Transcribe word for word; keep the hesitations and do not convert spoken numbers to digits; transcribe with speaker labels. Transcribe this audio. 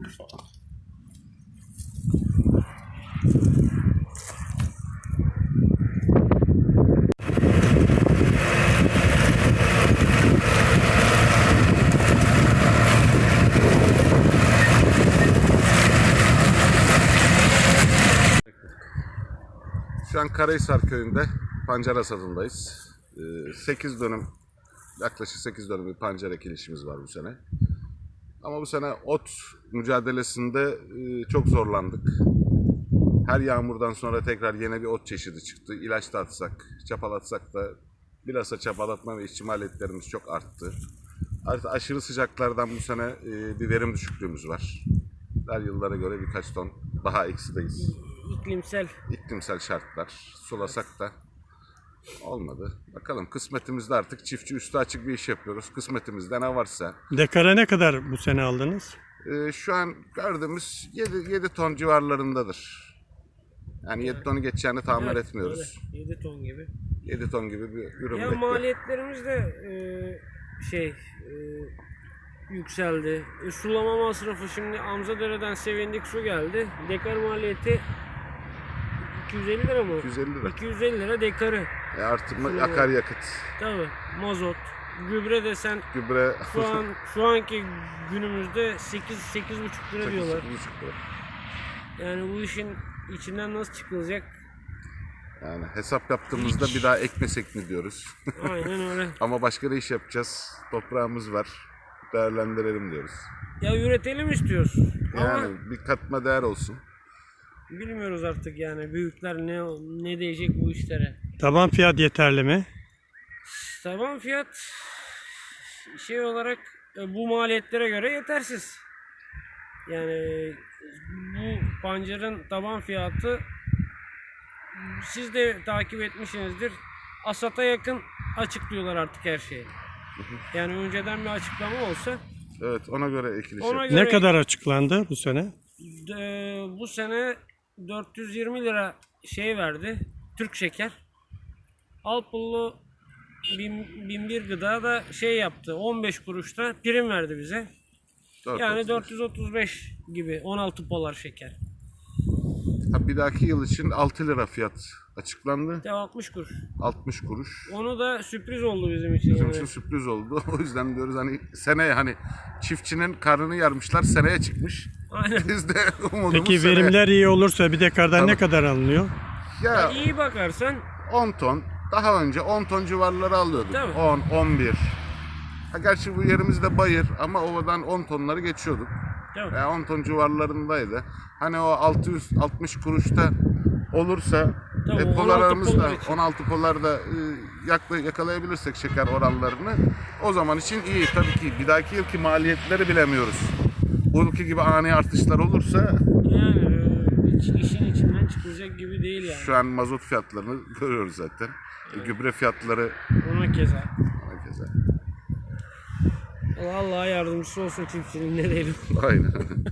Speaker 1: Şu an Karahisar köyünde pancar hasadındayız. sekiz dönüm, yaklaşık sekiz dönüm bir pancar ekilişimiz var bu sene. Ama bu sene ot mücadelesinde çok zorlandık. Her yağmurdan sonra tekrar yeni bir ot çeşidi çıktı. İlaç da atsak, çapalatsak da bilhassa çapalatma ve işçi maliyetlerimiz çok arttı. Artık aşırı sıcaklardan bu sene bir verim düşüklüğümüz var. Her yıllara göre birkaç ton daha eksideyiz.
Speaker 2: İklimsel.
Speaker 1: İklimsel şartlar. Sulasak da olmadı. Bakalım kısmetimizde artık çiftçi üstü açık bir iş yapıyoruz. Kısmetimizde ne varsa.
Speaker 3: Dekara ne kadar bu sene aldınız?
Speaker 1: Ee, şu an gördüğümüz yedi ton civarlarındadır. Yani yedi tonu geçeceğini tahmin
Speaker 2: Evet,
Speaker 1: etmiyoruz.
Speaker 2: öyle. yedi ton gibi.
Speaker 1: yedi ton gibi bir ürün
Speaker 2: Ya
Speaker 1: bekliyor.
Speaker 2: maliyetlerimiz de e, şey e, yükseldi. E, sulama masrafı şimdi Amzadere'den Sevindik su geldi. Dekar maliyeti iki yüz elli lira mı?
Speaker 1: iki yüz elli lira.
Speaker 2: iki yüz elli lira dekarı.
Speaker 1: E artırma
Speaker 2: Sulama.
Speaker 1: akaryakıt,
Speaker 2: Tabii. Mazot, gübre desen
Speaker 1: gübre
Speaker 2: şu an şu anki günümüzde sekiz sekiz buçuk lira diyorlar.
Speaker 1: sekiz buçuk lira.
Speaker 2: Yani bu işin içinden nasıl çıkılacak?
Speaker 1: Yani hesap yaptığımızda bir daha ekmesek mi diyoruz.
Speaker 2: Aynen öyle.
Speaker 1: Ama başka ne iş yapacağız? Toprağımız var. Değerlendirelim diyoruz.
Speaker 2: Ya üretelim istiyoruz. Ama
Speaker 1: Yani bir katma değer olsun.
Speaker 2: bilmiyoruz artık yani büyükler ne ne diyecek bu işlere.
Speaker 3: Taban fiyat yeterli mi?
Speaker 2: Taban fiyat şey olarak e, bu maliyetlere göre yetersiz. Yani bu pancarın taban fiyatı siz de takip etmişsinizdir. Asata yakın açıklıyorlar artık her şeyi. Yani önceden bir açıklama olsa
Speaker 1: Evet, ona göre ekiliş
Speaker 2: ona
Speaker 1: yap-
Speaker 2: göre
Speaker 3: Ne kadar açıklandı bu sene?
Speaker 2: e, bu sene dört yüz yirmi lira şey verdi. Türk şeker. Alpullu bin, bin bir gıda da şey yaptı. on beş kuruşta prim verdi bize.
Speaker 1: dört
Speaker 2: Yani
Speaker 1: otuz beş.
Speaker 2: dört yüz otuz beş gibi on altı polar şeker.
Speaker 1: Ha, bir dahaki yıl için altı lira fiyat açıklandı.
Speaker 2: Ya altmış kuruş.
Speaker 1: altmış kuruş.
Speaker 2: Onu da sürpriz oldu bizim için.
Speaker 1: Bizim
Speaker 2: yani.
Speaker 1: için sürpriz oldu. O yüzden diyoruz hani seneye hani çiftçinin karnını yarmışlar, seneye çıkmış.
Speaker 2: Aynen.
Speaker 1: Biz de umudumuz
Speaker 3: Peki
Speaker 1: seneye.
Speaker 3: verimler iyi olursa bir dekardan ne
Speaker 1: Tabii.
Speaker 3: kadar alınıyor?
Speaker 1: Ya
Speaker 2: Ya iyi bakarsan
Speaker 1: on ton, daha önce on ton civarları alıyorduk.
Speaker 2: Tabii.
Speaker 1: on, on bir. Ha, gerçi bu yerimizde bayır ama ovadan on tonları geçiyorduk.
Speaker 2: Tabii.
Speaker 1: Yani on ton civarlarındaydı. Hani o altı yüz altmış kuruşta olursa
Speaker 2: Tabii,
Speaker 1: e,
Speaker 2: on altı
Speaker 1: polarlarımız da
Speaker 2: polar için.
Speaker 1: on altı polarda e, yakla, yakalayabilirsek şeker oranlarını o zaman için iyi. Tabii ki bir dahaki yılki maliyetleri bilemiyoruz. Bu yılki gibi ani artışlar olursa
Speaker 2: yani e, hiç işin içinden çıkılacak gibi değil yani.
Speaker 1: şu an mazot fiyatlarını görüyoruz zaten. E, gübre fiyatları
Speaker 2: Ona keza.
Speaker 1: herkese.
Speaker 2: Allah yardımcısı olsun çiftçinin ne diyelim.
Speaker 1: Aynen.